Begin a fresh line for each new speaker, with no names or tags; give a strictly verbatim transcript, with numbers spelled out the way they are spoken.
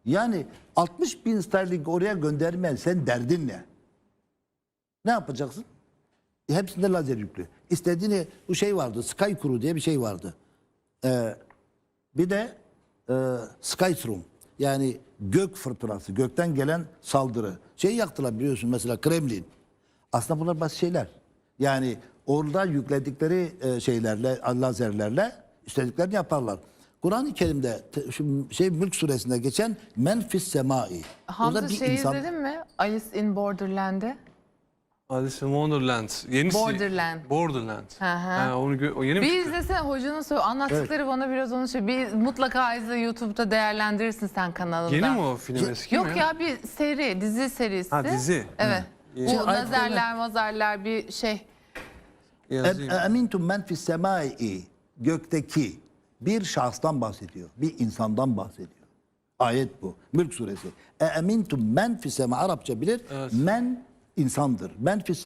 Yani altmış bin sterling oraya göndermen, sen derdin ne? Ne yapacaksın? E, hepsinde lazer yüklü. İstediğini, bu şey vardı, Sky Crew diye bir şey vardı. Ee, bir de e, Skystrom, yani gök fırtınası, gökten gelen saldırı. Şey yaktılar biliyorsun mesela, Kremlin. Aslında bunlar basit şeyler. Yani orada yükledikleri e, şeylerle, lazerlerle istediklerini yaparlar. Kur'an-ı Kerim'de te, şu şey Mülk suresinde geçen menfis semai.
Hamza
bir
şey
insan...
izledin mi? Alice in Borderland'i.
Alice in Wonderland. Yenisi.
Borderland.
Borderland.
Hı hı.
Ha, onu gö- o yeni mi
Bir
çıktı?
izlesene, hocanın söyle anlattıkları bana biraz onu şey. Bir mutlaka izle, YouTube'da değerlendirirsin sen kanalında.
Yeni mi o film, eski
Yok
mi?
ya, bir seri, dizi serisi.
Ha, dizi.
Evet.
Hı.
Bu
Şimdi ayet
lazerler, mazerler bir şey.
Yazayım.
Emintum men fis semai, gökteki bir şahstan bahsediyor. Bir insandan bahsediyor. Ayet bu. Mülk suresi. Emintum men fis semai, Arapça bilir.
Evet.
Men insandır. Men fis